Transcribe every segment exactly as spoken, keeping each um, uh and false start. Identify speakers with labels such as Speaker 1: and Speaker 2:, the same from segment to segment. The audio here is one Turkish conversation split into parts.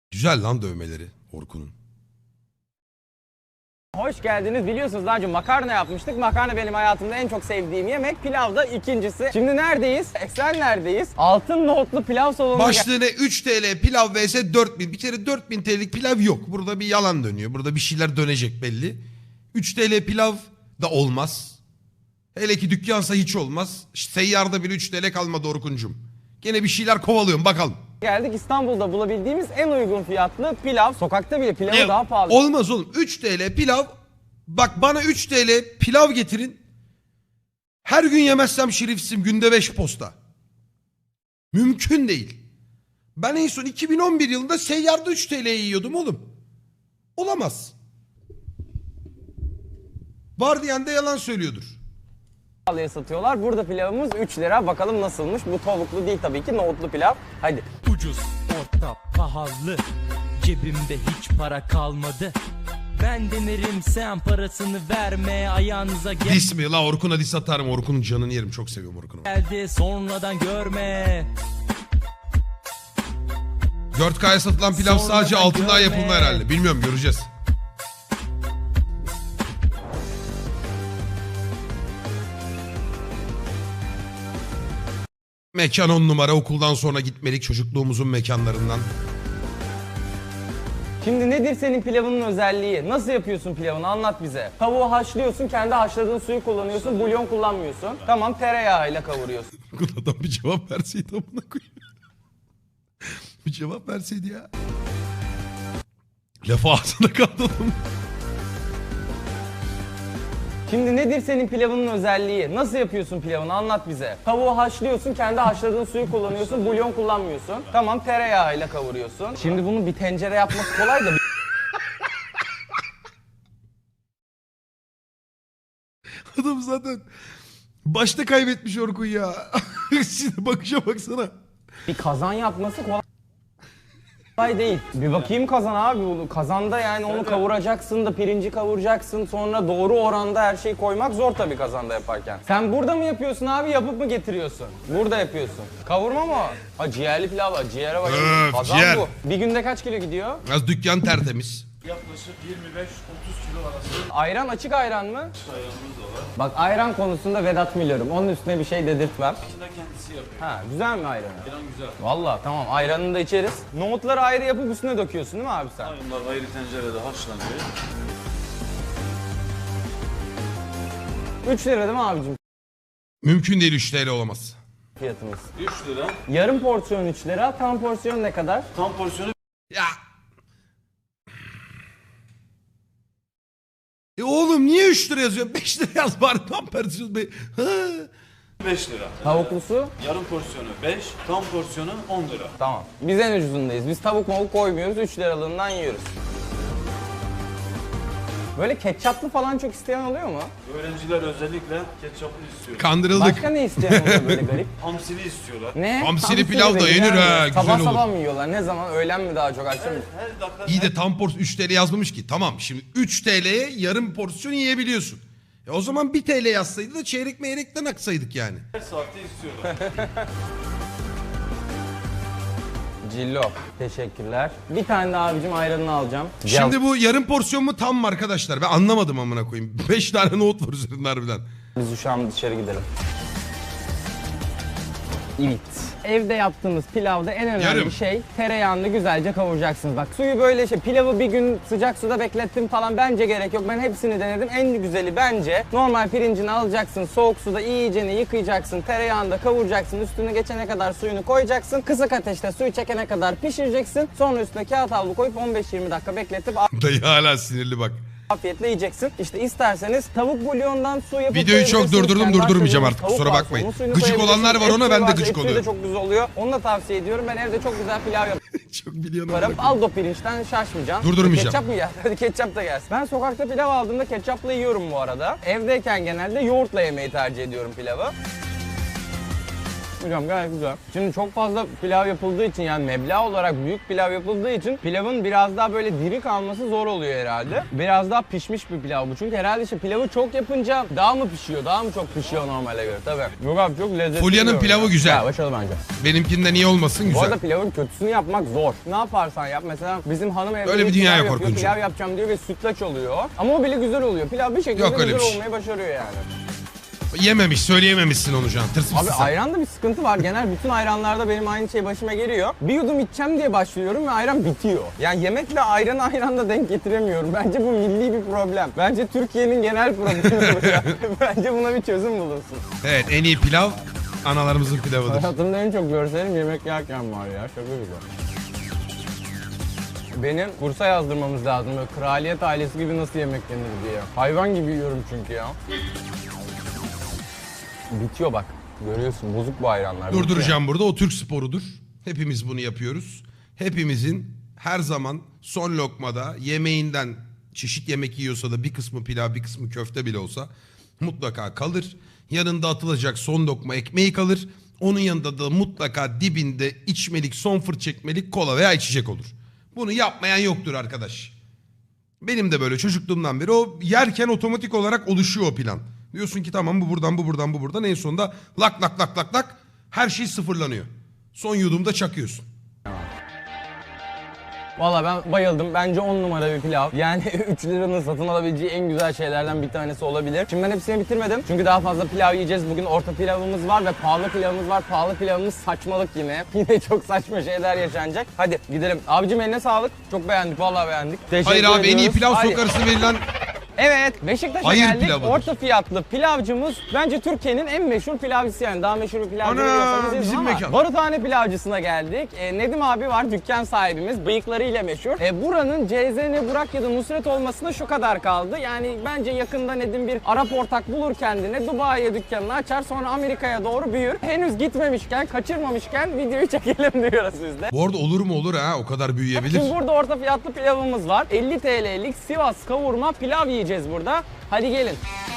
Speaker 1: Güzel lan dövmeleri Orkun'un.
Speaker 2: Hoş geldiniz. Biliyorsunuz daha önce makarna yapmıştık. Makarna benim hayatımda en çok sevdiğim yemek. Pilav da ikincisi. Şimdi neredeyiz? Eksenler'deyiz. Altın nohutlu pilav salonuna
Speaker 1: Başlığına üç TL pilav vs dört bin. Bir kere dört bin TL'lik pilav yok. Burada bir yalan dönüyor. Burada bir şeyler dönecek belli. üç TL pilav da olmaz. Hele ki dükkansa hiç olmaz. Seyyarda bile üç TL kalmadı Orkuncum. Gene bir şeyler kovalıyorum bakalım.
Speaker 2: geldik. İstanbul'da bulabildiğimiz en uygun fiyatlı pilav. Sokakta bile pilavı
Speaker 1: Ne?
Speaker 2: daha pahalı.
Speaker 1: Olmaz oğlum. üç TL pilav. Bak bana üç TL pilav getirin. Her gün yemezsem şerifsizim. Günde beş posta. Mümkün değil. Ben en son iki bin on bir yılında seyyarda üç TL'ye yiyordum oğlum. Olamaz. Var diyen de yalan söylüyordur.
Speaker 2: pahalıya satıyorlar. Burada pilavımız üç lira. Bakalım nasılmış? Bu tavuklu değil tabii ki. Nohutlu pilav. Hadi.
Speaker 3: Ucuz, orta, pahalı. Cebimde hiç para kalmadı. Ben denerim sen parasını verme ayağınıza gel-
Speaker 1: Dis mi? La Orkun'a dis atarım. Orkun'un canını yerim. Çok seviyorum Orkun'u.
Speaker 3: geldi sonradan görme.
Speaker 1: dört K'ya satılan pilav
Speaker 3: Sonra
Speaker 1: sadece
Speaker 3: da
Speaker 1: altından
Speaker 3: görme.
Speaker 1: yapılma herhalde. Bilmiyorum, göreceğiz. Mekan on numara, okuldan sonra gitmelik, çocukluğumuzun mekanlarından.
Speaker 2: Şimdi nedir senin pilavının özelliği? Nasıl yapıyorsun pilavını? Anlat bize. Tavuğu haşlıyorsun, kendi haşladığın suyu kullanıyorsun, bulyon kullanmıyorsun. Tamam, tereyağıyla kavuruyorsun.
Speaker 1: Adam bir cevap verseydi amına koyayım. Bir cevap verseydi ya. Lafı ağzına kaldı adamın.
Speaker 2: Şimdi nedir senin pilavının özelliği? Nasıl yapıyorsun pilavını? Anlat bize. Tavuğu haşlıyorsun, kendi haşladığın suyu kullanıyorsun, bulyon kullanmıyorsun. Tamam, tereyağıyla kavuruyorsun. Şimdi bunu bir tencere yapması kolay da
Speaker 1: Adam zaten başta kaybetmiş Orkun ya. Şimdi bakışa baksana.
Speaker 2: bir kazan yapması kolay değil. Bir bakayım kazan abi. Bunu kazanda yani onu kavuracaksın da pirinci kavuracaksın. Sonra doğru oranda her şeyi koymak zor tabii kazanda yaparken. Sen burada mı yapıyorsun abi, yapıp mı getiriyorsun? Burada yapıyorsun. Kavurma mı o? Ha, ciğerli pilav var. Ciğere bak.
Speaker 1: Öf,
Speaker 2: Kazan
Speaker 1: ciğer.
Speaker 2: bu. Bir günde kaç kilo gidiyor?
Speaker 1: Az dükkan tertemiz.
Speaker 4: Yaklaşık yirmi beş otuz kilo arası
Speaker 2: Ayran açık ayran mı?
Speaker 4: ayranımız da var.
Speaker 2: Bak ayran konusunda Vedat Milor'um. Onun üstüne bir şey dedirtmem.
Speaker 4: İçinde kendisi yapıyor.
Speaker 2: Ha, güzel mi ayranı?
Speaker 4: Ayran güzel.
Speaker 2: Vallahi tamam, ayranını da içeriz. Nohutları ayrı yapıp üstüne döküyorsun değil mi abi sen?
Speaker 4: Bunlar ayrı tencerede haşlanıyor.
Speaker 2: üç lira değil mi abicim
Speaker 1: Mümkün değil, üç TL olamaz.
Speaker 2: fiyatımız?
Speaker 4: üç lira.
Speaker 2: Yarım porsiyon üç lira, tam porsiyon ne kadar?
Speaker 4: Tam porsiyonu
Speaker 1: Ya. E oğlum niye üç lira yazıyor? beş lira yaz bari, tam persiyon be. Ha.
Speaker 4: beş lira.
Speaker 2: Tavuklusu?
Speaker 4: Yarım porsiyonu beş, tam porsiyonu on lira.
Speaker 2: Tamam. Biz en ucuzundayız. Biz tavuk mavuk koymuyoruz, üç liralığından yiyoruz. Böyle ketçaplı falan çok isteyen oluyor mu?
Speaker 4: Öğrenciler özellikle ketçaplı istiyor.
Speaker 1: Kandırıldık.
Speaker 2: Başka ne isteyen oluyor böyle garip?
Speaker 4: Hamsili istiyorlar.
Speaker 2: Ne?
Speaker 1: Hamsili pilav da
Speaker 2: böyle
Speaker 1: yenir
Speaker 2: güzel
Speaker 1: ha,
Speaker 2: mi?
Speaker 1: güzel
Speaker 2: Sabah
Speaker 1: olur.
Speaker 2: sabah mı yiyorlar? Ne zaman? Öğlen mi daha çok, akşam mı?
Speaker 4: Her dakika
Speaker 1: İyi de tam porsiyon üç TL yazmamış ki. Tamam, şimdi üç TL'ye yarım porsiyon yiyebiliyorsun. E o zaman bir TL yazsaydı da çeyrek meyrekten aksaydık yani.
Speaker 4: her saatte istiyorlar.
Speaker 2: Cillo. Teşekkürler. Bir tane de abicim ayranını alacağım.
Speaker 1: Şimdi bu yarım porsiyon mu tam mı arkadaşlar? Ben anlamadım amına koyayım. beş tane nohut var üzerinde harbiden.
Speaker 2: Biz şu an dışarı gidelim. Evet. Evde yaptığımız pilavda en önemli
Speaker 1: Yarım.
Speaker 2: şey tereyağını güzelce kavuracaksınız. Bak suyu böyle şey, pilavı bir gün sıcak suda beklettim falan bence gerek yok. Ben hepsini denedim. En güzeli bence normal pirincini alacaksın, soğuk suda iyicene yıkayacaksın, tereyağını da kavuracaksın, üstüne geçene kadar suyunu koyacaksın. Kısık ateşte suyu çekene kadar pişireceksin. Sonra üstüne kağıt havlu koyup on beş yirmi dakika bekletip
Speaker 1: Dayı hala sinirli bak.
Speaker 2: afiyetle yiyeceksin. İşte isterseniz tavuk bulyondan su yapıp
Speaker 1: Videoyu çok
Speaker 2: koyabilirsiniz.
Speaker 1: durdurdum,
Speaker 2: Kendi
Speaker 1: durdurmayacağım
Speaker 2: haşladığınız
Speaker 1: artık,
Speaker 2: tavuk
Speaker 1: kusura
Speaker 2: varsa
Speaker 1: bakmayın.
Speaker 2: onun suyunu
Speaker 1: Gıcık
Speaker 2: koyabilirsiniz.
Speaker 1: olanlar var ona,
Speaker 2: Et
Speaker 1: ben de
Speaker 2: varsa
Speaker 1: gıcık
Speaker 2: et suyu da
Speaker 1: oluyorum.
Speaker 2: çok güzel oluyor. Onu da tavsiye ediyorum. Ben evde çok güzel pilav
Speaker 1: Çok biliyorum.
Speaker 2: yaparım. Aldo pirinçten şaşmayacaksın.
Speaker 1: Durdurmayacağım.
Speaker 2: Ketçap mı yer? Hadi ketçap da gelsin. Ben sokakta pilav aldığımda ketçapla yiyorum bu arada. Evdeyken genelde yoğurtla yemeyi tercih ediyorum pilavı. Hocam gayet güzel. Şimdi çok fazla pilav yapıldığı için yani meblağ olarak büyük pilav yapıldığı için pilavın biraz daha böyle diri kalması zor oluyor herhalde. Biraz daha pişmiş bir pilav bu. Çünkü herhalde işte pilavı çok yapınca daha mı pişiyor? Daha mı çok pişiyor normale göre? Tabii. Yok abi çok lezzetli.
Speaker 1: Fulya'nın pilavı
Speaker 2: ya.
Speaker 1: güzel.
Speaker 2: Ya başarılı bence.
Speaker 1: Benimkinden iyi olmasın
Speaker 2: Bu
Speaker 1: güzel.
Speaker 2: arada pilavın kötüsünü yapmak zor. Ne yaparsan yap. Mesela bizim hanım evde
Speaker 1: Öyle bir
Speaker 2: pilav
Speaker 1: dünya yok
Speaker 2: yapıyor,
Speaker 1: Orkuncuğum.
Speaker 2: pilav yapacağım diyor ve sütlaç oluyor. Ama o bile güzel oluyor. Pilav bir şekilde
Speaker 1: Yok öyle
Speaker 2: güzel
Speaker 1: bir şey.
Speaker 2: olmayı başarıyor yani.
Speaker 1: Yememiş, söyleyememişsin onu Can. Tırsmışsın
Speaker 2: Abi
Speaker 1: sen.
Speaker 2: ayranda bir sıkıntı var. Genel bütün ayranlarda benim aynı şey başıma geliyor. Bir yudum içeceğim diye başlıyorum ve ayran bitiyor. Yani yemekle ayranı aynı anda denk getiremiyorum. Bence bu milli bir problem. Bence Türkiye'nin genel problemi bu ya. Bence buna bir çözüm bulunsun.
Speaker 1: Evet, en iyi pilav analarımızın pilavıdır.
Speaker 2: Hayatımda en çok görselim yemek yerken var ya. Şaka güzel. Benim kursa yazdırmamız lazım. Böyle kraliyet ailesi gibi nasıl yemek yenir diye. Hayvan gibi yiyorum çünkü ya. Bitiyor bak. Görüyorsun bozuk bu ayranlar. Bitiyor.
Speaker 1: Durduracağım burada. O Türk sporudur. Hepimiz bunu yapıyoruz. Hepimizin her zaman son lokmada yemeğinden çeşit yemek yiyorsa da bir kısmı pilav bir kısmı köfte bile olsa mutlaka kalır. Yanında atılacak son lokma ekmeği kalır. Onun yanında da mutlaka dibinde içmelik son fırt çekmelik kola veya içecek olur. Bunu yapmayan yoktur arkadaş. Benim de böyle çocukluğumdan beri o yerken otomatik olarak oluşuyor o plan. Diyorsun ki tamam bu buradan bu buradan bu buradan en sonunda lak lak lak lak lak her şey sıfırlanıyor. Son yudumda çakıyorsun.
Speaker 2: Valla ben bayıldım. Bence on numara bir pilav. Yani üç liranın satın alabileceği en güzel şeylerden bir tanesi olabilir. Şimdi ben hepsini bitirmedim. Çünkü daha fazla pilav yiyeceğiz. Bugün orta pilavımız var ve pahalı pilavımız var. Pahalı pilavımız saçmalık yine. Yine çok saçma şeyler yaşanacak. Hadi gidelim. Abicim eline sağlık. Çok beğendik. Vallahi beğendik. Teşekkür
Speaker 1: Hayır abi en iyi
Speaker 2: ediyoruz.
Speaker 1: pilav
Speaker 2: Hayır.
Speaker 1: sok arası verilen
Speaker 2: Evet, Beşiktaş'a
Speaker 1: Hayır
Speaker 2: geldik.
Speaker 1: pilavıdır.
Speaker 2: Orta fiyatlı pilavcımız bence Türkiye'nin en meşhur pilavcısı yani. Daha meşhur bir pilavcı
Speaker 1: Ana,
Speaker 2: biliyorsanız izin
Speaker 1: bizim
Speaker 2: ama
Speaker 1: mekan.
Speaker 2: Baruthane pilavcısına geldik. E, Nedim abi var, dükkan sahibimiz. Bıyıklarıyla meşhur. E, buranın C Z N Burak ya da Nusret olmasına şu kadar kaldı. Yani bence yakında Nedim bir Arap ortak bulur kendine. Dubai'ye dükkanını açar sonra Amerika'ya doğru büyür. Henüz gitmemişken, kaçırmamışken videoyu çekelim diyoruz biz de.
Speaker 1: bu arada olur mu olur ha o kadar büyüyebilir.
Speaker 2: Şimdi burada orta fiyatlı pilavımız var. elli T L'lik Sivas kavurma pilav yiyeceğiz burada. Hadi gelin.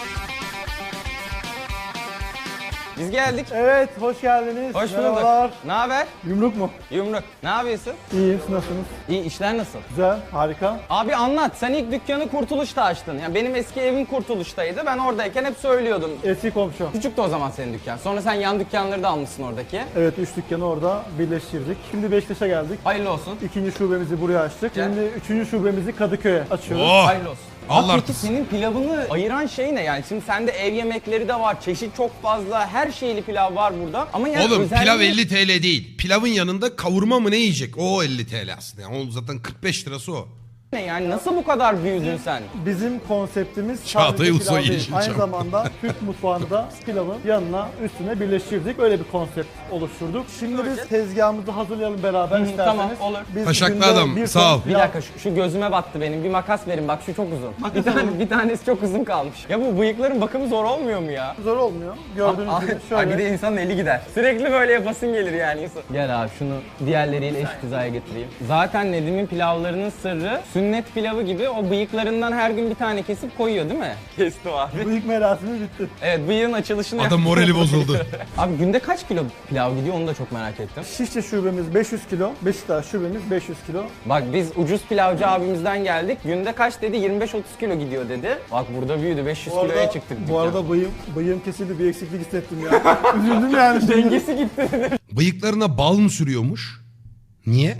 Speaker 2: Biz geldik.
Speaker 5: Evet, hoş geldiniz.
Speaker 2: Hoş
Speaker 5: Merhabalar.
Speaker 2: bulduk. Ne haber?
Speaker 5: Yumruk mu?
Speaker 2: Yumruk. Ne yapıyorsun?
Speaker 5: İyiyim, siz nasılsınız?
Speaker 2: İyi, işler nasıl?
Speaker 5: Güzel, harika.
Speaker 2: Abi anlat. Sen ilk dükkanı Kurtuluş'ta açtın. Yani benim eski evim Kurtuluş'taydı. Ben oradayken hep söylüyordum.
Speaker 5: Eski komşu.
Speaker 2: Küçüktü o zaman senin dükkan. Sonra sen yan dükkanları da almışsın oradaki.
Speaker 5: Evet, üç dükkanı orada birleştirdik. Şimdi Beşiktaş'a geldik.
Speaker 2: Hayırlı olsun.
Speaker 5: İkinci şubemizi buraya açtık.
Speaker 2: Güzel.
Speaker 5: Şimdi üçüncü şubemizi Kadıköy'e açıyoruz.
Speaker 1: Oh!
Speaker 2: Hayırlı olsun.
Speaker 1: Allah
Speaker 2: Abi peki
Speaker 1: artırsın.
Speaker 2: senin pilavını ayıran şey ne yani? Şimdi sende ev yemekleri de var, çeşit çok fazla, her şeyli pilav var burada. Ama yani
Speaker 1: Oğlum
Speaker 2: özelliği-
Speaker 1: pilav elli T L değil. Pilavın yanında kavurma mı ne yiyecek? O elli T L aslında. Yani o zaten kırk beş lirası o.
Speaker 2: ne yani? Nasıl bu kadar büyüdün sen?
Speaker 5: Bizim konseptimiz
Speaker 1: Çağatay
Speaker 5: sadece
Speaker 1: Ulusoy
Speaker 5: pilav değil.
Speaker 1: Yeşilçam.
Speaker 5: Aynı zamanda Türk mutfağında pilavın yanına üstüne birleştirdik. Öyle bir konsept oluşturduk. Şimdi biz tezgahımızı hazırlayalım beraber
Speaker 2: Hı,
Speaker 5: isterseniz.
Speaker 2: tamam, olur.
Speaker 5: Biz
Speaker 1: Taşaklı
Speaker 5: günde
Speaker 1: adam,
Speaker 5: bir
Speaker 1: sağ
Speaker 5: ton
Speaker 1: ol.
Speaker 2: Bir
Speaker 5: pilav-
Speaker 2: dakika şu, şu gözüme battı benim. Bir makas verin bak şu çok uzun. Bir tane bir tanesi çok uzun kalmış. Ya bu bıyıkların bakımı zor olmuyor mu ya?
Speaker 5: Zor olmuyor. Gördüğünüz
Speaker 2: Aa,
Speaker 5: gibi
Speaker 2: aa,
Speaker 5: şöyle.
Speaker 2: bir de insanın eli gider. Sürekli böyle yapasın gelir yani insan. Gel abi şunu diğerleriyle eşit hizaya getireyim. Zaten Nedim'in pilavlarının sırrı sünnet pilavı gibi o bıyıklarından her gün bir tane kesip koyuyor değil mi? Kestim abi.
Speaker 5: Bıyık merasimi bitti.
Speaker 2: Evet bıyığın açılışını
Speaker 1: Adam
Speaker 2: yaptım.
Speaker 1: morali bozuldu.
Speaker 2: Abi günde kaç kilo pilav gidiyor onu da çok merak ettim.
Speaker 5: Şişli şubemiz beş yüz kilo, Beşiktaş şubemiz beş yüz kilo.
Speaker 2: Bak biz ucuz pilavcı abimizden geldik. Günde kaç dedi? yirmi beş otuz kilo gidiyor dedi. Bak burada büyüdü. beş yüz
Speaker 5: Bu
Speaker 2: kiloya
Speaker 5: arada,
Speaker 2: çıktık.
Speaker 5: bu
Speaker 2: dükkan.
Speaker 5: arada bıyığım, bıyığım kesildi, bir eksiklik hissettim ya. Üzüldüm yani şimdi.
Speaker 2: dengesi gitti dedi.
Speaker 1: Bıyıklarına bal mı sürüyormuş? Niye?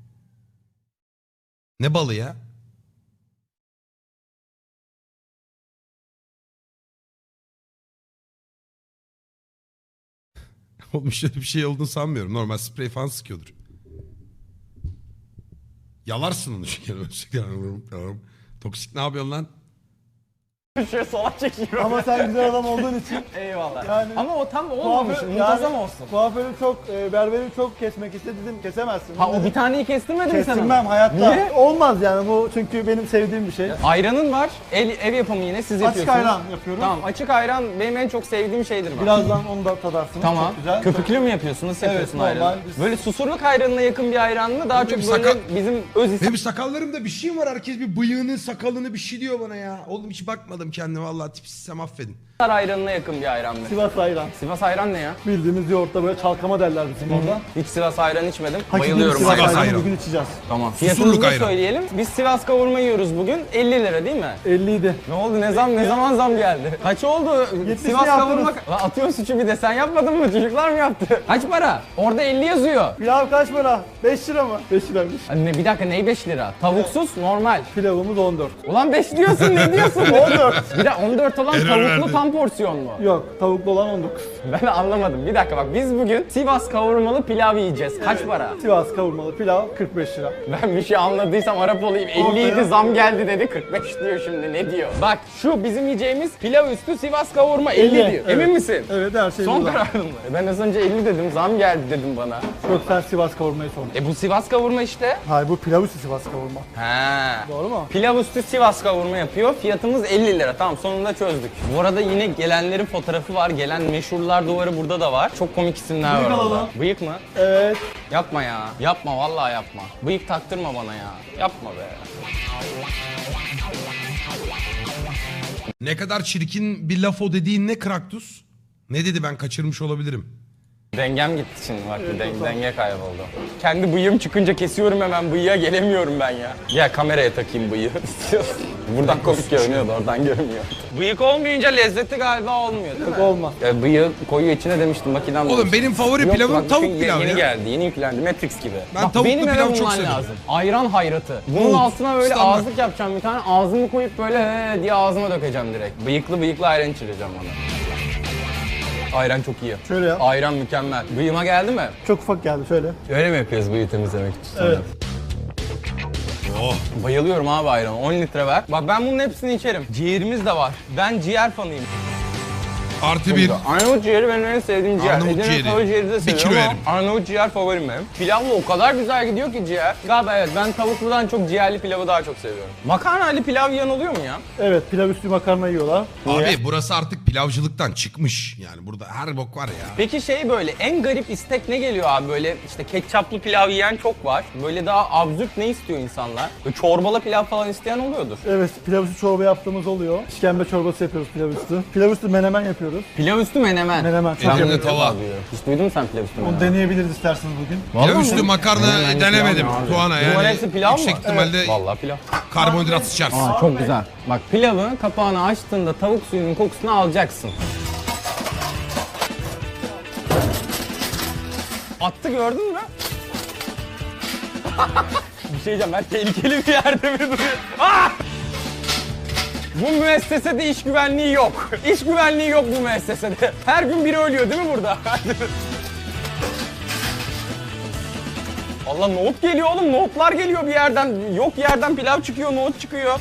Speaker 1: Ne balı ya? Oğlum şöyle bir şey olduğunu sanmıyorum. Normal sprey falan sıkıyordur. Yalarsın onu çünkü. Toksik ne yapıyorsun lan?
Speaker 2: Şöyle sola çekiyor.
Speaker 5: Ama sen güzel adam olduğun için
Speaker 2: Eyvallah.
Speaker 5: Yani-
Speaker 2: Ama o tam olmamış.
Speaker 5: kuaför,
Speaker 2: Muntazam olsun.
Speaker 5: kuaförü çok, e, berberi çok kesmek istedi dedim, kesemezsin.
Speaker 2: Ha o
Speaker 5: Dedim,
Speaker 2: bir taneyi kestirmedin mi sen?
Speaker 5: kestirmem
Speaker 2: onu?
Speaker 5: hayatta.
Speaker 2: Niye?
Speaker 5: Olmaz yani bu çünkü benim sevdiğim bir şey.
Speaker 2: Ayranın var. El, ev yapımı yine siz
Speaker 5: Açık
Speaker 2: yapıyorsunuz.
Speaker 5: ayran yapıyorum.
Speaker 2: Tamam açık ayran benim en çok sevdiğim şeydir bak.
Speaker 5: Birazdan onu da tadarsınız.
Speaker 2: Tamam.
Speaker 5: Çok güzel.
Speaker 2: Köpüklü mü yapıyorsun? Nasıl
Speaker 5: Evet,
Speaker 2: yapıyorsun
Speaker 5: normal.
Speaker 2: ayranı?
Speaker 5: Biz-
Speaker 2: Böyle susurluk ayranına yakın bir ayran mı? Daha
Speaker 1: Benim
Speaker 2: çok böyle
Speaker 1: sakal-
Speaker 2: bizim öz isim.
Speaker 1: Benim sakallarımda bir şey var. Herkes bir bıyığını sakalını bir şey diyor bana ya. Oğlum hiç bakmadım kendime. Vallahi tipsizsem affedin.
Speaker 2: Tatar ayranına yakın bir ayran mı?
Speaker 5: Sivas ayran.
Speaker 2: Sivas ayran ne ya?
Speaker 5: Bildiğimiz yoğurtta böyle çalkama derler bizim orada.
Speaker 2: Hiç Sivas ayran içmedim.
Speaker 5: Hakiki
Speaker 2: Bayılıyorum
Speaker 5: Sivas
Speaker 1: Sivas
Speaker 2: ayran.
Speaker 5: ayranı
Speaker 1: ayran.
Speaker 5: bugün içeceğiz.
Speaker 2: Tamam.
Speaker 1: Susurluk
Speaker 2: Fiyatımızı da
Speaker 1: ayran.
Speaker 2: söyleyelim. Biz Sivas kavurma yiyoruz bugün. elli lira değil mi?
Speaker 5: elli idi.
Speaker 2: Ne oldu? Ne zam ne zaman zam geldi? Kaç oldu?
Speaker 5: yetmişini
Speaker 2: Sivas
Speaker 5: yaptınız.
Speaker 2: kavurma... Lan atıyorsun suçu bir de sen yapmadın mı? Çocuklar mı yaptı? Kaç para? Orada elli yazıyor.
Speaker 5: Pilav kaç para? beş lira mı? beş liraymış.
Speaker 2: Anne bir dakika neyi beş lira? Tavuksuz normal.
Speaker 5: Pilavımız on dört.
Speaker 2: Ulan beş diyorsun ne diyorsun? on dört. Bir de on dört olan
Speaker 1: Error
Speaker 2: tavuklu
Speaker 1: verdi.
Speaker 2: tam porsiyon mu?
Speaker 5: Yok, tavuklu olan on dokuz.
Speaker 2: Ben anlamadım. Bir dakika bak biz bugün Sivas kavurmalı pilav yiyeceğiz. Kaç para?
Speaker 5: Sivas kavurmalı pilav kırk beş lira.
Speaker 2: Ben bir şey anladıysam Arap olayım. elli yedi
Speaker 5: Ortaya-
Speaker 2: zam geldi dedi. kırk beş diyor şimdi ne diyor? Bak şu bizim yiyeceğimiz pilav üstü Sivas kavurma elli
Speaker 5: elli,
Speaker 2: diyor.
Speaker 5: evet.
Speaker 2: Emin misin?
Speaker 5: Evet, her şey
Speaker 2: Son
Speaker 5: burada.
Speaker 2: kararın mı? E Ben az önce elli dedim. Zam geldi dedim bana.
Speaker 5: Yok, sen Sivas kavurmayı sordun.
Speaker 2: E bu Sivas kavurma işte.
Speaker 5: Hayır, bu pilav üstü Sivas kavurma.
Speaker 2: He.
Speaker 5: Doğru mu?
Speaker 2: Pilav üstü Sivas kavurma yapıyor. Fiyatımız elli lira. Tamam sonunda çözdük. Bu arada yine gelenlerin fotoğrafı var. Gelen meşhurlar duvarı burada da var. Çok komik isimler
Speaker 5: Bıyık
Speaker 2: var orada.
Speaker 5: alalım.
Speaker 2: Bıyık mı?
Speaker 5: Evet.
Speaker 2: Yapma ya. Yapma vallahi yapma. Bıyık taktırma bana ya. Yapma be.
Speaker 1: Ne kadar çirkin bir laf o dediğin ne Kraktus? Ne dedi ben kaçırmış olabilirim.
Speaker 2: Dengem gitti şimdi bak bir den- denge kayboldu. Kendi bıyığım çıkınca kesiyorum hemen bıyığa gelemiyorum ben ya. Gel kameraya takayım bıyığı istiyorsun. Buradan komik görünüyordu oradan görünmüyor. Bıyık olmayınca lezzeti galiba olmuyor değil mi?
Speaker 5: Olmaz.
Speaker 2: Ya bıyığı koyuyor içine demiştim makinem.
Speaker 1: Oğlum benim favori pilavım tavuk
Speaker 2: çünkü
Speaker 1: pilavı
Speaker 2: yeni
Speaker 1: ya.
Speaker 2: geldi yeni yüklendi Matrix gibi.
Speaker 1: Ben
Speaker 2: Bak,
Speaker 1: tavuklu
Speaker 2: benim eve
Speaker 1: pilavı çok
Speaker 2: bulman
Speaker 1: severim.
Speaker 2: lazım. Ayran hayratı. Bunun
Speaker 1: Of,
Speaker 2: altına böyle
Speaker 1: standart.
Speaker 2: ağızlık yapacağım bir tane ağzımı koyup böyle he diye ağzıma dökeceğim direkt. Bıyıklı bıyıklı ayran içireceğim bana. Ayran çok iyi.
Speaker 5: Şöyle yap.
Speaker 2: Ayran mükemmel. Bıyığıma geldi mi?
Speaker 5: Çok ufak geldi, şöyle.
Speaker 2: Öyle mi yapıyoruz bıyığı temizlemek için?
Speaker 5: Evet.
Speaker 1: Oh.
Speaker 2: Bayılıyorum abi ayran. on litre ver. Bak ben bunun hepsini içerim. Ciğerimiz de var. Ben ciğer fanıyım.
Speaker 1: Artı bir.
Speaker 2: Arnavut ciğeri benim en sevdiğim ciğer.
Speaker 1: Arnavut
Speaker 2: Edirne
Speaker 1: ciğeri.
Speaker 2: tavuk ciğeri de
Speaker 1: Bir
Speaker 2: seviyorum
Speaker 1: kilo
Speaker 2: ama
Speaker 1: yerim.
Speaker 2: Arnavut ciğer favorim benim. Pilavla o kadar güzel gidiyor ki ciğer. Galiba evet ben tavukludan çok ciğerli pilavı daha çok seviyorum. Makarnayla pilav yiyen oluyor mu ya?
Speaker 5: Evet, pilav üstü makarna yiyorlar.
Speaker 1: Abi burası artık pilavcılıktan çıkmış. Yani burada her bok var ya.
Speaker 2: Peki şey böyle en garip istek ne geliyor abi böyle işte ketçaplı pilav yiyen çok var. Böyle daha absürt ne istiyor insanlar? Böyle çorbalı pilav falan isteyen oluyordur.
Speaker 5: Evet, pilav üstü çorba yaptığımız oluyor. İşkembe çorbası yapıyoruz pilav üstü. Pilav üstü menemen yapıyoruz.
Speaker 2: Pilav üstü menemen.
Speaker 5: Menemen, çok
Speaker 2: Ben bunu
Speaker 5: yapıyorum.
Speaker 2: ilk defa duyuyorum. Hiç duydun mu sen pilav üstü
Speaker 5: Onu
Speaker 2: menemen?
Speaker 5: deneyebiliriz isterseniz bugün.
Speaker 1: Pilav üstü makarna
Speaker 2: Menemenli
Speaker 1: denemedim
Speaker 2: pilav mı abi?
Speaker 1: Tuana
Speaker 2: Bunların
Speaker 1: yani.
Speaker 2: hepsi pilav mı?
Speaker 1: Yüksek ihtimalle
Speaker 2: Vallahi pilav.
Speaker 1: karbonhidrat sıçarsın.
Speaker 2: Aa, çok güzel. Bak pilavı kapağını açtığında tavuk suyunun kokusunu alacaksın. Attı gördün mü? Bir şey diyeceğim ben tehlikeli bir yerde mi duruyor? Ah! Bu müessesede iş güvenliği yok. İş güvenliği yok bu müessesede. Her gün biri ölüyor değil mi burada? Allah nohut geliyor oğlum. Nohutlar geliyor bir yerden. Yok yerden pilav çıkıyor, nohut çıkıyor.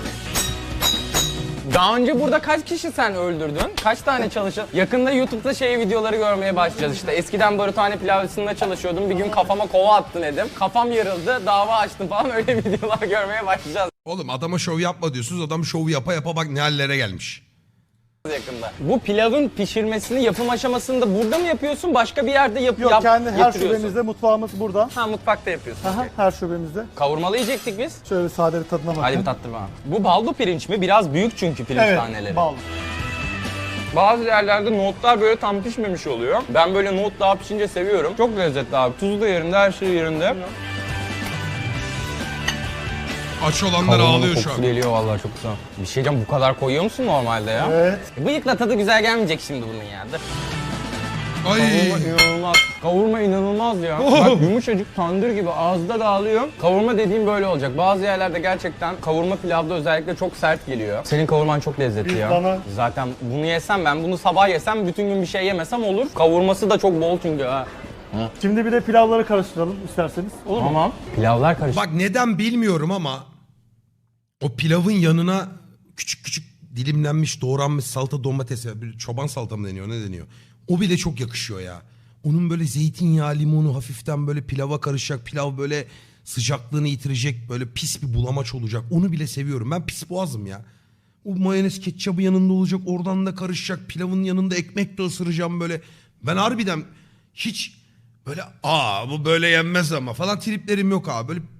Speaker 2: Daha önce burada kaç kişi sen öldürdün? Kaç tane çalışan? Yakında YouTube'da şey videoları görmeye başlayacağız işte. Eskiden barutane pilavcısında çalışıyordum. Bir gün kafama kova attın dedim. Kafam yarıldı, dava açtım falan öyle videolar görmeye başlayacağız
Speaker 1: Oğlum adama şov yapma diyorsunuz. Adam şovu yapa yapa bak ne hallere gelmiş.
Speaker 2: yakında. Bu pilavın pişirmesini, yapım aşamasını da burada mı yapıyorsun? Başka bir yerde yap,
Speaker 5: Yok,
Speaker 2: yap
Speaker 5: kendi her
Speaker 2: getiriyorsun.
Speaker 5: şubemizde, mutfağımız burada.
Speaker 2: Ha mutfakta yapıyorsun.
Speaker 5: Aha, her şubemizde.
Speaker 2: Kavurmalı yiyecektik biz.
Speaker 5: Şöyle bir sade bir tadına bakın.
Speaker 2: Hadi bir tattır bana. Bu baldo pirinç mi? Biraz büyük çünkü pirinç
Speaker 5: Evet,
Speaker 2: taneleri.
Speaker 5: bal.
Speaker 2: Bazı yerlerde nohutlar böyle tam pişmemiş oluyor. Ben böyle nohut daha pişince seviyorum. Çok lezzetli abi. Tuzu da yerinde, her şey yerinde.
Speaker 1: Aç olanlar ağlıyor şu
Speaker 2: kokusu
Speaker 1: an.
Speaker 2: geliyor vallahi çok güzel. Bir şey diyeceğim bu kadar koyuyor musun normalde ya?
Speaker 5: Evet.
Speaker 2: Bıyıkla tadı güzel gelmeyecek şimdi bunun ya. Dur.
Speaker 1: Ay.
Speaker 2: Kavurma inanılmaz. Kavurma inanılmaz ya. Bak yumuşacık tandır gibi ağızda dağılıyor. Kavurma dediğim böyle olacak. Bazı yerlerde gerçekten kavurma pilavda özellikle çok sert geliyor. Senin kavurman çok lezzetli
Speaker 5: Biz
Speaker 2: ya.
Speaker 5: bana-
Speaker 2: Zaten bunu yesem ben bunu sabah yesem bütün gün bir şey yemesem olur. Kavurması da çok bol çünkü ha.
Speaker 5: Şimdi bir de pilavları karıştıralım isterseniz. Olur mu?
Speaker 2: Tamam. Pilavlar karışık.
Speaker 1: Bak neden bilmiyorum ama o pilavın yanına küçük küçük dilimlenmiş doğranmış salata domates bir çoban salata mı deniyor ne deniyor? O bile çok yakışıyor ya. Onun böyle zeytinyağı limonu hafiften böyle pilava karışacak. Pilav böyle sıcaklığını yitirecek. Böyle pis bir bulamaç olacak. Onu bile seviyorum. Ben pis boğazım ya. O mayonez ketçabı yanında olacak. Oradan da karışacak. Pilavın yanında ekmek de ısıracağım böyle. Ben harbiden hiç böyle aa bu böyle yenmez ama falan triplerim yok abi. Böyle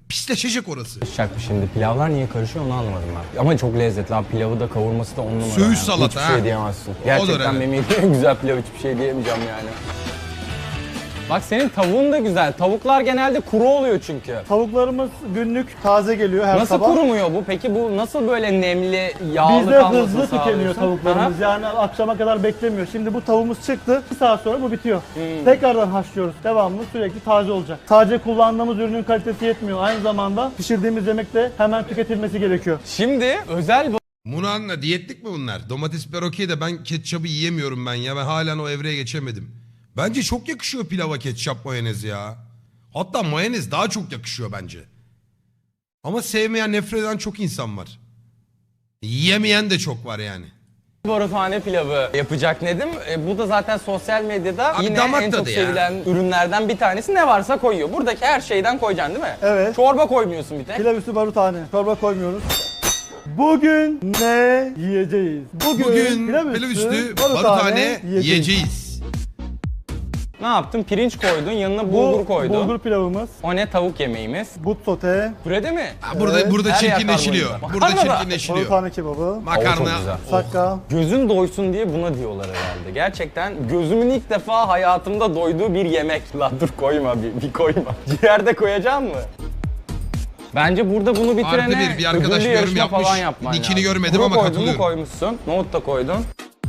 Speaker 1: Pisleşecek orası.
Speaker 2: Karışacak şimdi. Pilavlar niye karışıyor onu anlamadım ben. Ama çok lezzetli abi. Pilavı da kavurması da on numara.
Speaker 1: Söğüş
Speaker 2: yani.
Speaker 1: salata,
Speaker 2: Hiçbir
Speaker 1: ha.
Speaker 2: şey diyemezsin.
Speaker 1: Odur
Speaker 2: Gerçekten
Speaker 1: evet.
Speaker 2: benim yediğim en güzel pilav, hiçbir şey diyemeyeceğim yani. Bak senin tavuğun da güzel. Tavuklar genelde kuru oluyor çünkü.
Speaker 5: Tavuklarımız günlük taze geliyor her
Speaker 2: Nasıl
Speaker 5: sabah.
Speaker 2: kurumuyor bu? Peki bu nasıl böyle nemli, yağlı
Speaker 5: Bizde
Speaker 2: kalmasını
Speaker 5: hızlı tükeniyor
Speaker 2: sağlıyorsun?
Speaker 5: tavuklarımız.
Speaker 2: Aha.
Speaker 5: Yani akşama kadar beklemiyor. Şimdi bu tavuğumuz çıktı. Bir saat sonra bu bitiyor.
Speaker 2: Hmm.
Speaker 5: Tekrardan haşlıyoruz. Devamlı sürekli taze olacak. Sadece kullandığımız ürünün kalitesi yetmiyor. Aynı zamanda pişirdiğimiz yemek de hemen tüketilmesi gerekiyor.
Speaker 2: Şimdi özel
Speaker 1: Bunu anla, diyetlik mi bunlar? Domates biber okey de ben ketçabı yiyemiyorum ben ya. Ben halen o evreye geçemedim. Bence çok yakışıyor pilava ketçap mayonez ya. Hatta mayonez daha çok yakışıyor bence. Ama sevmeyen, nefret eden çok insan var. Yiyemeyen de çok var yani.
Speaker 2: barutane pilavı yapacak Nedim. E, bu da zaten sosyal medyada
Speaker 1: Abi
Speaker 2: yine
Speaker 1: damak
Speaker 2: en çok
Speaker 1: tadı ya.
Speaker 2: sevilen ürünlerden bir tanesi. Ne varsa koyuyor. Buradaki her şeyden koyacaksın değil mi?
Speaker 5: Evet.
Speaker 2: Çorba koymuyorsun bir tek.
Speaker 5: Pilav üstü barutane. Çorba koymuyoruz. Bugün ne yiyeceğiz? Bugün,
Speaker 1: Bugün pilav üstü barutane yiyeceğiz.
Speaker 2: Ne yaptın? Pirinç koydun, yanına bulgur
Speaker 5: Bu
Speaker 2: koydun.
Speaker 5: bulgur pilavımız,
Speaker 2: O ne? Tavuk yemeğimiz.
Speaker 5: but sote,
Speaker 2: Pürede mi?
Speaker 1: Ha, burada
Speaker 5: Evet.
Speaker 1: burada
Speaker 2: Her yer
Speaker 1: çirkinleşiliyor.
Speaker 2: karbonhidrat.
Speaker 1: Burada
Speaker 2: Makarna da.
Speaker 1: çirkinleşiliyor.
Speaker 5: barutane kebabı,
Speaker 2: O çok
Speaker 1: Makarna.
Speaker 2: güzel.
Speaker 5: sakka.
Speaker 2: Gözün doysun diye buna diyorlar herhalde. Gerçekten gözümün ilk defa hayatımda doyduğu bir yemek. La dur koyma bir, bir koyma. Ciğerde koyacaksın mı? Bence burada bunu bitirene
Speaker 1: Artı bir, bir arkadaş
Speaker 2: ödüllü
Speaker 1: yorum
Speaker 2: yarışma
Speaker 1: yapmış.
Speaker 2: falan yapman
Speaker 1: Nickini
Speaker 2: lazım.
Speaker 1: görmedim
Speaker 2: Kuru
Speaker 1: ama
Speaker 2: koydun
Speaker 1: katılıyorum.
Speaker 2: mu koymuşsun. Nohut da koydun.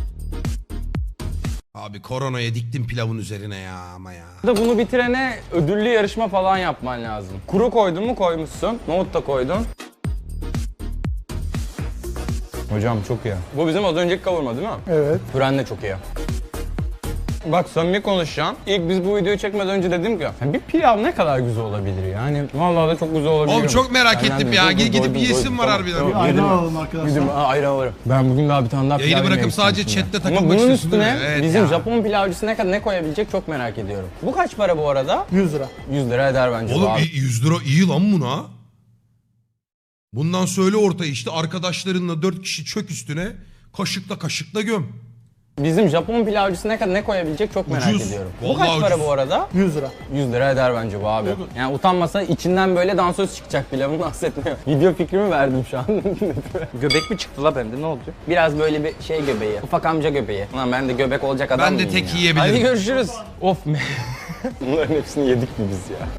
Speaker 1: Abi koronaya diktim pilavın üzerine ya ama ya.
Speaker 2: Burada bunu bitirene ödüllü yarışma falan yapman lazım. Kuru koydun mu koymuşsun. Nohut da koydun. Hocam çok iyi. Bu bizim az önceki kavurma değil mi?
Speaker 5: Evet.
Speaker 2: Püren de çok iyi. Bak samimi konuşacağım. İlk biz bu videoyu çekmeden önce dedim ki "Ya bir pilav ne kadar güzel olabilir yani. Vallahi da çok güzel olabilir.
Speaker 1: Oğlum çok merak
Speaker 2: Benden
Speaker 1: ettim
Speaker 2: de
Speaker 1: ya.
Speaker 2: doydum,
Speaker 1: Gidip
Speaker 2: doydum,
Speaker 1: yiyesim
Speaker 2: doydum.
Speaker 1: var
Speaker 2: Tamam,
Speaker 1: harbiden.
Speaker 2: tamam,
Speaker 5: Bir ayran
Speaker 2: yedim.
Speaker 5: alalım arkadaşlar.
Speaker 2: Yedim, aa, ayran alırım. Ben bugün daha bir tane daha pilav
Speaker 1: Yayını bırakıp
Speaker 2: yemeyi
Speaker 1: sadece
Speaker 2: istiyorum
Speaker 1: chatte
Speaker 2: şimdi.
Speaker 1: takılmak
Speaker 2: Ama bunun
Speaker 1: istiyorsun değil
Speaker 2: üstüne
Speaker 1: mi? Evet
Speaker 2: bizim
Speaker 1: ya.
Speaker 2: Japon pilavcısı ne kadar ne koyabilecek çok merak ediyorum. Bu kaç para bu arada?
Speaker 5: yüz lira.
Speaker 2: yüz lira eder bence bu
Speaker 1: Oğlum
Speaker 2: abi.
Speaker 1: yüz lira iyi lan buna. Bundan söyle ortaya işte arkadaşlarınla dört kişi çök üstüne kaşıkla kaşıkla göm.
Speaker 2: Bizim Japon pilavcısı ne kadar ne koyabilecek çok merak
Speaker 1: Ucuz.
Speaker 2: ediyorum. Bu
Speaker 1: Vallahi
Speaker 2: kaç para
Speaker 1: ucuz.
Speaker 2: bu arada?
Speaker 5: yüz lira.
Speaker 2: yüz lira eder bence bu abi. Yani utanmasa içinden böyle dansöz çıkacak pilavın bahsetmiyor. Video fikrimi verdim şu an.
Speaker 6: Göbek mi çıktı la bende ne oldu?
Speaker 2: Biraz böyle bir şey göbeği. Ufak amca göbeği. Ulan ben de göbek olacak adam
Speaker 1: Ben de
Speaker 2: mıyım
Speaker 1: tek
Speaker 2: ya?
Speaker 1: yiyebilirim.
Speaker 2: Hadi görüşürüz. Of me. Bunların hepsini yedik mi biz ya?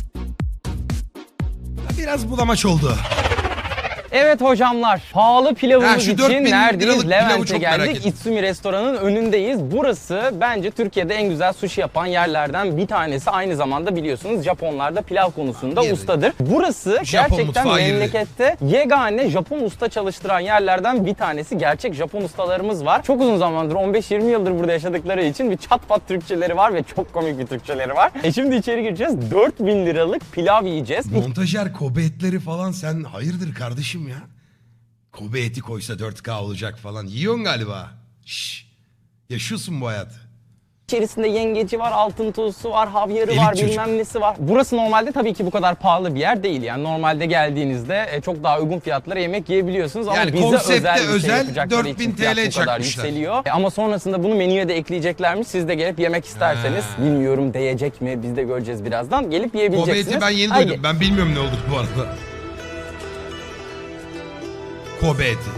Speaker 1: Biraz bulamaç oldu.
Speaker 2: Evet hocamlar, pahalı pilavımız
Speaker 1: Ha, şu
Speaker 2: için
Speaker 1: dört bin liralık
Speaker 2: neredeyiz?
Speaker 1: pilavı
Speaker 2: Levent'e
Speaker 1: çok merak
Speaker 2: geldik.
Speaker 1: ettim.
Speaker 2: Itsumi restoranın önündeyiz. Burası bence Türkiye'de en güzel sushi yapan yerlerden bir tanesi. Aynı zamanda biliyorsunuz Japonlar da pilav konusunda
Speaker 1: Girdi.
Speaker 2: ustadır. Burası
Speaker 1: Japon
Speaker 2: gerçekten
Speaker 1: mutfağa girdi.
Speaker 2: memlekette yegane Japon usta çalıştıran yerlerden bir tanesi. Gerçek Japon ustalarımız var. Çok uzun zamandır, on beş yirmi yıldır burada yaşadıkları için bir çat pat Türkçeleri var ve çok komik bir Türkçeleri var. E şimdi içeri gireceğiz. dört bin liralık pilav yiyeceğiz.
Speaker 1: Montajer Kobe etleri falan sen hayırdır kardeşim ya? Kobe eti koysa dört K olacak falan. Yiyorsun galiba. Şşş. Yaşıyorsun bu hayatı.
Speaker 2: İçerisinde yengeci var, altın tuzlusu var, havyarı
Speaker 1: Elit
Speaker 2: var,
Speaker 1: çocuk.
Speaker 2: bilmem nesi var. Burası normalde tabii ki bu kadar pahalı bir yer değil. Yani normalde geldiğinizde e, çok daha uygun fiyatlara yemek yiyebiliyorsunuz. Ama
Speaker 1: Yani
Speaker 2: bize
Speaker 1: konsepte
Speaker 2: özel bir şey
Speaker 1: özel
Speaker 2: yapacakları
Speaker 1: dört bin
Speaker 2: için fiyat
Speaker 1: TL
Speaker 2: bu kadar
Speaker 1: çakmışlar.
Speaker 2: yükseliyor. E, ama sonrasında bunu menüye de ekleyeceklermiş. Siz de gelip yemek isterseniz,
Speaker 1: Ha.
Speaker 2: bilmiyorum değecek mi, biz de göreceğiz birazdan. Gelip
Speaker 1: Kobe
Speaker 2: yiyebileceksiniz.
Speaker 1: eti ben yeni
Speaker 2: Haydi.
Speaker 1: duydum. Ben bilmiyorum ne olduğunu bu arada. Kobe eti.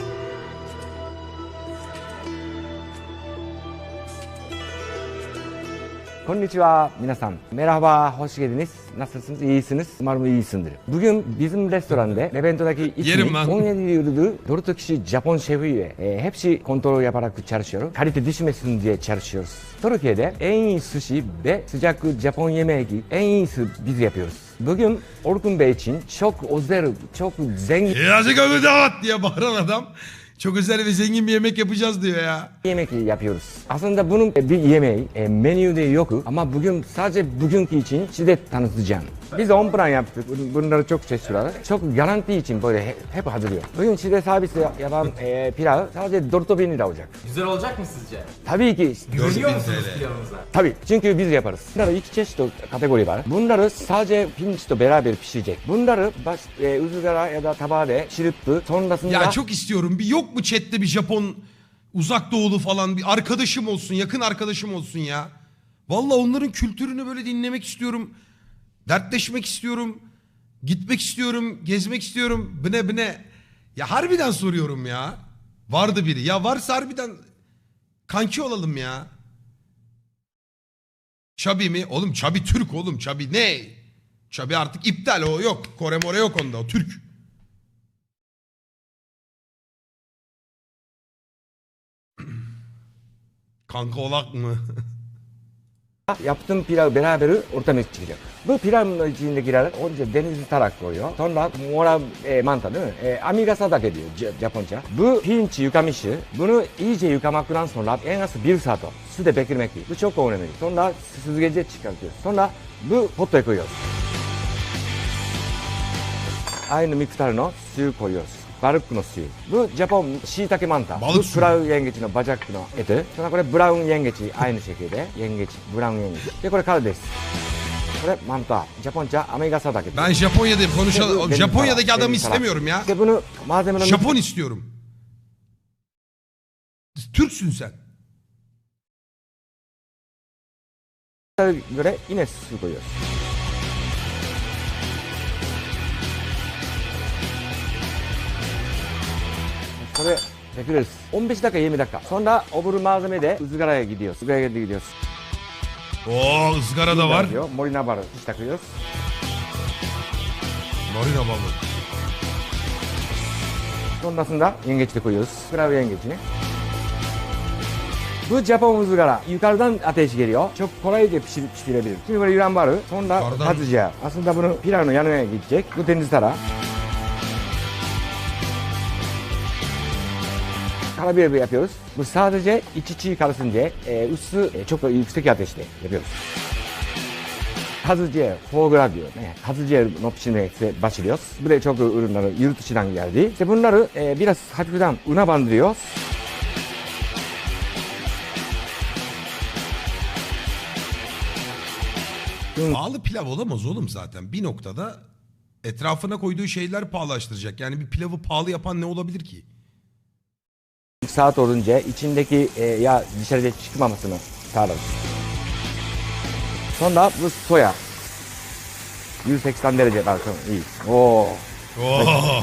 Speaker 7: Konnichiwa minasan. Merhaba, hoş geldiniz. Nasılsınız? İyisiniz? Umarım iyisindir. Bugün bizim restoranda Levent'teki
Speaker 1: Yerim
Speaker 7: ismi
Speaker 1: lan.
Speaker 7: on yedi yıldır dört kişi Japon şefiyle e, hepsi kontrol yaparak çalışıyor. Kalite düşmesin diye çalışıyoruz. Türkiye'de en iyi sushi ve sıcak Japon yemeği en iyisi biz yapıyoruz. Bugün Orkun Bey için çok özel, çok zengin
Speaker 1: Yazık abi davat diye bağıran adam. Çok özel ve zengin bir yemek yapacağız diyor ya.
Speaker 7: yemek yapıyoruz. Aslında bunun bir yemeği e, menüde yok ama bugün sadece bugünkü için size tanıtacağım. Biz on plan yaptık. Bun- Bunları çok seçiyorlar. Çok garanti için böyle he- hep hazırlıyor. Bugün size servis yapan e, pilav sadece dört bin lira olacak.
Speaker 6: Güzel olacak mı sizce?
Speaker 7: Tabii ki.
Speaker 1: dört bin
Speaker 6: Biliyor musunuz
Speaker 1: T L.
Speaker 6: pilavımıza?
Speaker 7: Tabii çünkü biz yaparız. Bunları iki çeşit kategori var. Bunları sadece pirinçle beraber pişirecek. Bunları baş, e, ızgara ya da tabağa pişirip sonrasında...
Speaker 1: Ya çok istiyorum. Bir yok mu chatte bir Japon uzak doğulu falan bir arkadaşım olsun, yakın arkadaşım olsun ya. Vallahi onların kültürünü böyle dinlemek istiyorum. Dertleşmek istiyorum. Gitmek istiyorum, gezmek istiyorum. Bine bine. Ya harbiden soruyorum ya. Vardı biri. Ya varsa harbiden kanki olalım ya. Çabi mi? Oğlum Çabi Türk oğlum. Çabi ne? Çabi artık iptal o yok. Kore more yok onda o Türk. Kanka olak mı?
Speaker 7: yaptığım pilav beraber ortaya çıkacak. Bu pilavın içindekiler önce denizli tarak koyuyor. Sonra mora e, manta değil mi? E, amigasatake diyor J- Japonca. Bu pirinç yıkamışı. Bunu iyice yıkamaktan sonra en az bir saat suda beklemek değil. Bu çok önemli. Sonra süzgece çıkartıyoruz. Sonra bu potaya koyuyoruz. Aynı miktarını suyu koyuyoruz. Balıkの suyu. Bu Japon shiitake manta.
Speaker 1: Balık
Speaker 7: Bu
Speaker 1: suyu.
Speaker 7: クラウyengeçの bacakの eti. Sonra これ brown yengeç aynı şekilde. Yengeç, brown yengeç. Ve これ kara desu. これ manta. Japonca amigasatake.
Speaker 1: Ben Japonya'dayım. Konuşalım.
Speaker 7: Deniz
Speaker 1: Japonya'daki
Speaker 7: tarak,
Speaker 1: adamı
Speaker 7: deniz tarak.
Speaker 1: istemiyorum ya.
Speaker 7: İşte bunu malzemelerini
Speaker 1: Japon istiyorum. Türksün sen.
Speaker 7: göre yine su koyuyoruz.これbekliyoruz. on beş dakika yirmi dakika. Sonra öbür malzeme de ızgaraya gidiyoruz. Izgaraya gidiyoruz.
Speaker 1: Oo ızgara da var.
Speaker 7: Diyor. Morinabaru hiç takıyoruz.
Speaker 1: Marina balığı.
Speaker 7: Sonrasında yengeç de koyuyoruz. Krav yengeçini. Bu Japon ızgara. Yukarıdan ateş geliyor. Çok kolayca pişir, pişirebilir. Şimdi böyle yuran var. Sonra
Speaker 1: Yukarıdan-
Speaker 7: patlıcan. Aslında bunu pilavın yanına gidecek. Bu deniz tarağı. Karabiber yapıyoruz. Bu sadece iç içi karışsın diye e, ısı e, çok yüksek ateşte yapıyoruz. Kazuciye, foğgra diyor. E, Kazuciye no pişirmeye başlıyoruz. Buraya çok ürünleri yurt dışından geldi. İşte bunları e, biraz hafiften una bandırıyoruz.
Speaker 1: Pahalı pilav olamaz oğlum zaten. Bir noktada etrafına koyduğu şeyler pahalılaştıracak. Yani bir pilavı pahalı yapan ne olabilir ki?
Speaker 7: Saat olunca içindeki e, yağ dışarıya çıkmamasını sağlarız. Sonra bu soya. yüz seksen derece bakın iyi. Oo.
Speaker 1: Oo.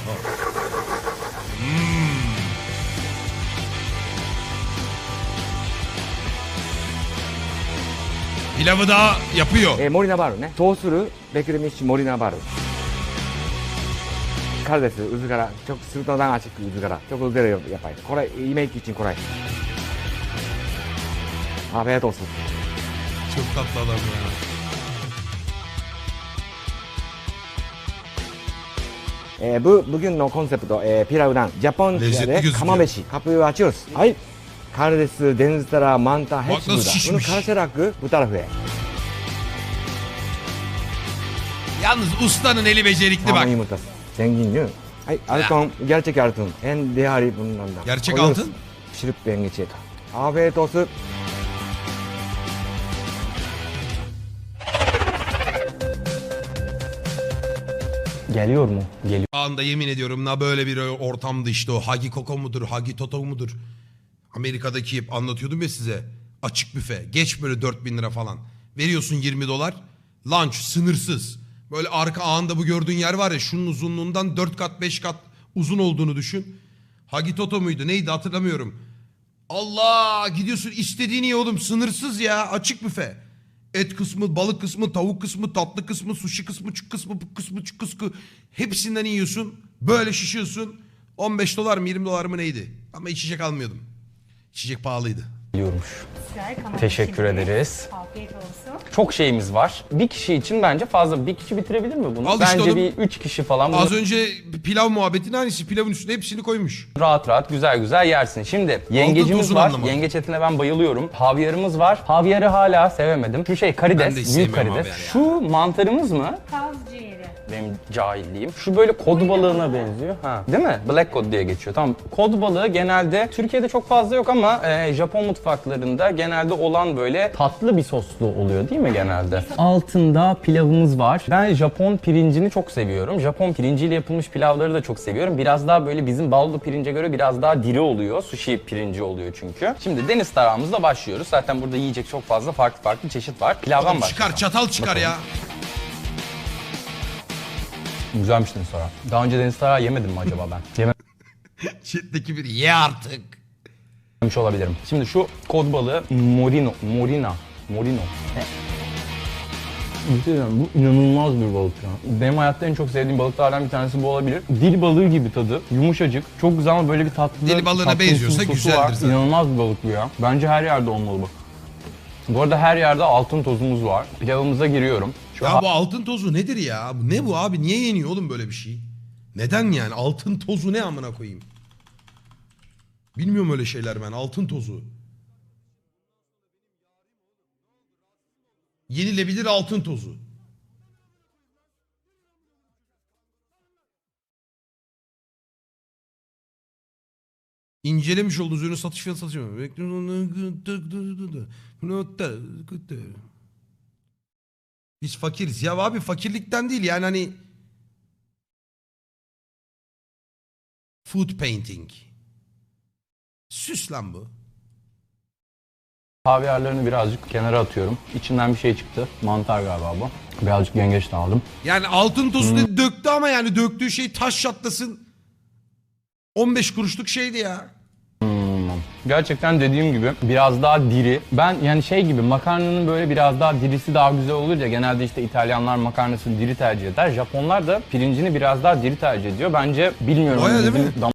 Speaker 1: Pilavı da yapıyor.
Speaker 7: E, morinabaru ne? Soğusuru beklemiş morinabaru. Karidesu, ızgara. Çok sırtından açık ızgara. Çok ızgara yapayım. Kolay, yemek için kolay. Afiyet olsun.
Speaker 1: Çok tatlı adam ya.
Speaker 7: E, bu bugün no konsepti e, pilavdan Japonca
Speaker 1: Lezzetli
Speaker 7: de
Speaker 1: gözüküyor.
Speaker 7: kamameshi. Kapıyı açıyoruz. Ay. Karidesu, deniz tarağı, manta hepsi
Speaker 1: nasıl
Speaker 7: burada.
Speaker 1: şişmiş.
Speaker 7: Bunu karıştırarak bu tarafa.
Speaker 1: Yalnız ustanın eli becerikli bak.
Speaker 7: Hamur yumurtası. Zengin değil mi? Ay, altın, gerçek altın. En değerli bunlardan.
Speaker 1: Gerçek
Speaker 7: Koyuyoruz.
Speaker 1: altın?
Speaker 7: Pişirip yengeçe. Afiyet olsun.
Speaker 2: Geliyor mu? Geliyor.
Speaker 1: Anda yemin ediyorum na böyle bir ortamda işte o Hagi Koko mudur, Hagi Toto mudur? Amerika'daki hep anlatıyordum ya size. Açık büfe. Geç böyle dört bin lira falan. Veriyorsun yirmi dolar. Lunch sınırsız. Böyle arka ağında bu gördüğün yer var ya şunun uzunluğundan dört kat beş kat uzun olduğunu düşün. Hagi Toto muydu neydi hatırlamıyorum. Allah gidiyorsun istediğini ye oğlum sınırsız ya açık büfe. Et kısmı, balık kısmı, tavuk kısmı, tatlı kısmı, sushi kısmı, çuk kısmı, bu kısmı, çuk kısmı. Hepsinden yiyorsun. Böyle şişiyorsun. on beş dolar mı yirmi dolar mı neydi? Ama içecek almıyordum. İçecek pahalıydı.
Speaker 2: Geliyormuş.
Speaker 8: Güzel,
Speaker 2: Teşekkür
Speaker 8: şimdi.
Speaker 2: ederiz.
Speaker 8: Afiyet olsun.
Speaker 2: Çok şeyimiz var. Bir kişi için bence fazla. Bir kişi bitirebilir mi bunu?
Speaker 1: Al işte
Speaker 2: bence
Speaker 1: oğlum.
Speaker 2: bir üç kişi falan bunu
Speaker 1: Az önce pilav muhabbetinin aynısı. Pilavın üstüne hepsini koymuş.
Speaker 2: rahat rahat güzel güzel yersin. Şimdi yengecimiz
Speaker 1: tozunu
Speaker 2: var.
Speaker 1: anlamadım.
Speaker 2: Yengeç etine ben bayılıyorum. Havyarımız var. Havyarı hala sevemedim. Şu şey
Speaker 1: Ben de
Speaker 2: karides,
Speaker 1: hiç
Speaker 2: büyük
Speaker 1: sevmiyorum
Speaker 2: karides.
Speaker 1: havyar ya.
Speaker 2: Şu mantarımız mı?
Speaker 8: Kaz ciğeri.
Speaker 2: Benim cahilliğim. Şu böyle kod balığına benziyor. Ha, değil mi? Black cod diye geçiyor. Tamam. Kod balığı genelde Türkiye'de çok fazla yok ama e, Japon mutfaklarında genelde olan böyle tatlı bir soslu oluyor değil mi genelde? Altında pilavımız var. Ben Japon pirincini çok seviyorum. Japon pirinciyle yapılmış pilavları da çok seviyorum. Biraz daha böyle bizim baldo pirince göre biraz daha diri oluyor. Sushi pirinci oluyor çünkü. Şimdi deniz tarağımızla başlıyoruz. Zaten burada yiyecek çok fazla farklı farklı çeşit var. Pilavdan
Speaker 1: Oğlum
Speaker 2: başlayalım.
Speaker 1: çıkar çatal çıkar ya.
Speaker 6: Güzelmiş deniz tarağı. Daha önce deniz tarağı yemedim mi acaba ben?
Speaker 1: Chat'teki bir ye artık.
Speaker 6: Yememiş olabilirim. Şimdi şu kod balığı Morino, Morina, Morino. Bir şey diyeyim, bu inanılmaz bir balık ya. Benim hayatta en çok sevdiğim balıklardan bir tanesi bu olabilir. Dil balığı gibi tadı, yumuşacık, çok güzel ama böyle bir tatlı.
Speaker 1: Dil balığına
Speaker 6: tatlı
Speaker 1: benziyorsa
Speaker 6: sosu
Speaker 1: güzeldir
Speaker 6: var.
Speaker 1: zaten.
Speaker 6: İnanılmaz bir balık bu ya. Bence her yerde olmalı bu. Bu arada her yerde altın tozumuz var. Pilavımıza giriyorum. Şu
Speaker 1: Ya bu altın tozu nedir ya? Bu ne bu abi? Niye yeniyor oğlum böyle bir şey? Neden yani? Altın tozu ne amına koyayım? Bilmiyorum öyle şeyler ben. Altın tozu. Yenilebilir altın tozu. İncelemiş olduğu ürünü satış fiyatı satıyor. Biz fakiriz. Ya abi fakirlikten değil yani hani food painting. Süs lan bu.
Speaker 6: havyarlarını birazcık kenara atıyorum. İçinden bir şey çıktı. Mantar galiba bu. Birazcık yengeç de aldım.
Speaker 1: Yani altın tozu dedi, döktü ama yani döktüğü şey taş çatlasın. on beş kuruşluk şeydi ya.
Speaker 6: Gerçekten dediğim gibi biraz daha diri. Ben yani şey gibi makarnanın böyle biraz daha dirisi daha güzel olur ya. Genelde işte İtalyanlar makarnasını diri tercih eder. Japonlar da pirincini biraz daha diri tercih ediyor. Bence bilmiyorum.
Speaker 1: Baya değil
Speaker 6: bizim
Speaker 1: mi?
Speaker 6: dam-